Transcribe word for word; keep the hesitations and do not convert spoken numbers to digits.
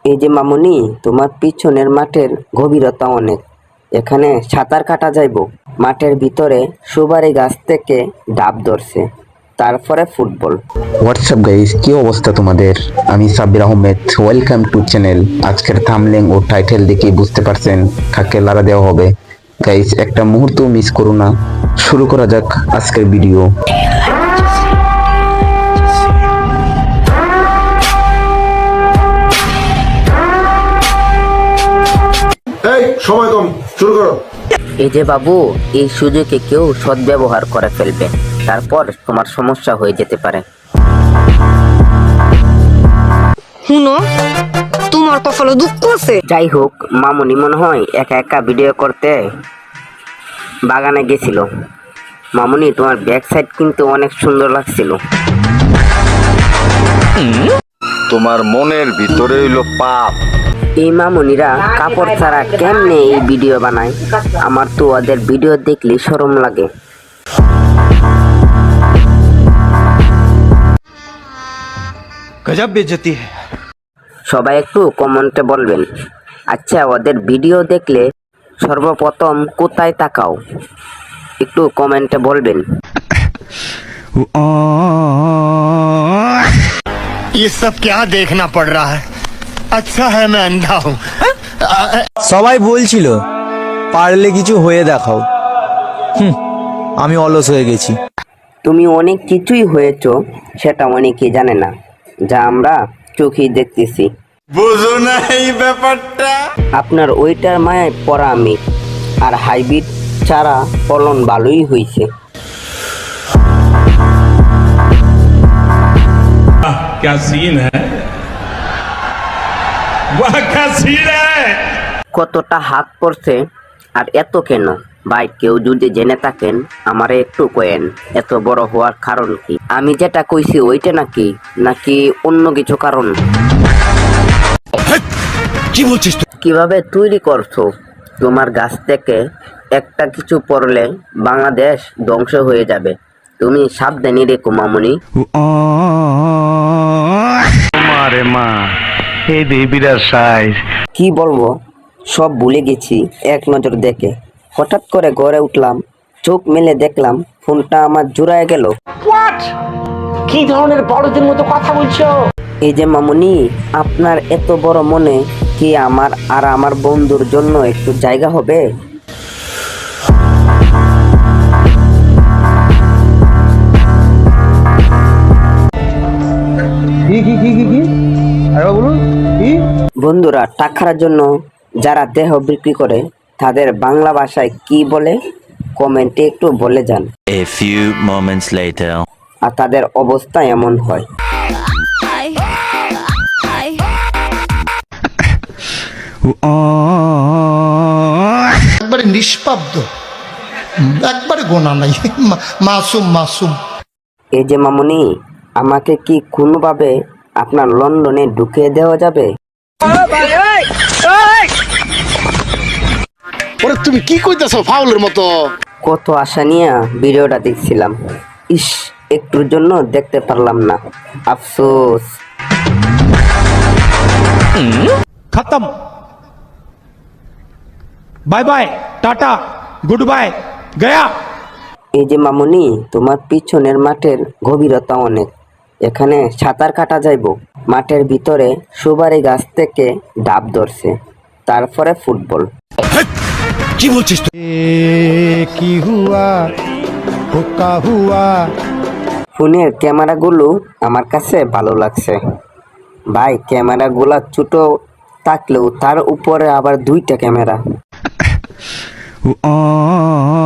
এই যে মামুনি, তোমার পিছনের মাঠের গভীরতা অনেক, এখানে সাঁতার কাটা যাইব। মাঠের ভিতরে সুপারি গাছ থেকে ডাব ধরছে, তারপরে ফুটবল। হোয়াটসঅ্যাপ গাইস, কি অবস্থা তোমাদের? আমি Sabbir Ahmed, welcome to channel. আজকের থাম্বনেল ও টাইটেল দেখে বুঝতে পারছেন কাকে লারা দেওয়া হবে। গাইস, একটা মুহূর্ত মিস করো না। শুরু করা যাক আজকের ভিডিও। এই সময় কম, শুরু করো। এই যে বাবু, এই সুযোগে কেউ সদ্ব্যবহার করে ফেলবে, তারপর তোমার সমস্যা হয়ে যেতে পারে। শুনো, তোমার কপালে দুঃখ আছে। যাই হোক, মামুনি মনে হয় একা একা ভিডিও করতে বাগানে গেছিল। মামুনি, তোমার ব্যাক সাইড কিন্তু অনেক সুন্দর লাগছিল। তোমার মনের ভিতরে হইলো পাপ। এই মামুনিরা কাপড় ছাড়া কেমনে এই ভিডিও বানায়? আমার তো ওদের ভিডিও দেখলে শরম লাগে। गजब बेइज्जती है। সবাই একটু কমেন্টে বলবেন, আচ্ছা ওদের ভিডিও দেখলে সর্বপ্রথম কোথায় তাকাও? একটু কমেন্টে বলবেন। ये सब क्या देखना पड़ रहा है? अच्छा है मैं अंधा हूँ। সবাই বলছিল পারলে কিছু হয়ে দেখাও। হুম, আমি অলস হয়ে গেছি। তুমি অনেক কিছুই হয়েছো, সেটা অনেকেই জানে না, যা আমরা চোখেই দেখতেছি। বুঝো না এই ব্যাপারটা। আপনার ওইটার মায়ায় পড়া আমি, আর হাইব্রিড চারা ফলন ভালোই হয়েছে। क्या सीन है, वाह क्या सीन है। কতটা হাত পড়ছে আর এত কেন? ভাই, কেউ যদি জেনে থাকেন আমারে একটু কয়েন, এত বড় হওয়ার কারণ কি? আমি যেটা কইছি ওইটা নাকি নাকি অন্য কিছু কারণ? কি বলছিস তুই? কিভাবে তৈরি করছো? তোমার গাছ থেকে একটা কিছু পড়লে বাংলাদেশ ধ্বংস হয়ে যাবে, তুমি সাবধানী রেখো মামুনি। মারে মা, এই দেবীরা সাইজ। কি বলবো, সব ভুলে গেছি এক নজর দেখে। হঠাৎ করে ঘরে উঠলাম, চোখ মেলে দেখলাম ফোনটা আমার জোড়ায় গেল। কি ধরনের বড়দের মতো কথা বলছো? এই যে মামুনি, আপনার এত বড় মনে কি আমার আর আমার বন্ধুর জন্য একটু জায়গা হবে? বন্ধুরা, টাকার জন্য যারা দেহ বিক্রি করে তাদের বাংলা ভাষায় কি বলে কমেন্টে একটু বলে যান। A few moments later. আর তাদের অবস্থা এমন হয়। একবারে নিষ্পাব্দ, একবারে গোনা নাই, মাসুম মাসুম। এই যে মামুনি, আমাকে কি কোনোভাবে আপনার লন্ডনে ঢুকিয়ে দেওয়া যাবে? ওরে তুমি কি কইতাছো ফাউলের মতো? কত আশা নিয়ে ভিডিওটা দেখছিলাম, ইস একটুর জন্য দেখতে পারলাম না, আফসোস। खत्म। Bye bye, tata, good bye, गया। এই যে মামুনি, তোমার পিছনের মাঠের গভীরতা অনেক, এখানে সাঁতার কাটা যাইব। মাঠের ভিতরে সুপারি গাছ থেকে ডাব ধরছে, তারপরে ফুটবল। কি বলছিস তুই? কি হুয়া হুকা হুয়া। ফোনের ক্যামেরাগুলো আমার কাছে ভালো লাগছে ভাই, ক্যামেরাগুলো ছোট থাকলেও তার উপরে আবার দুইটা ক্যামেরা।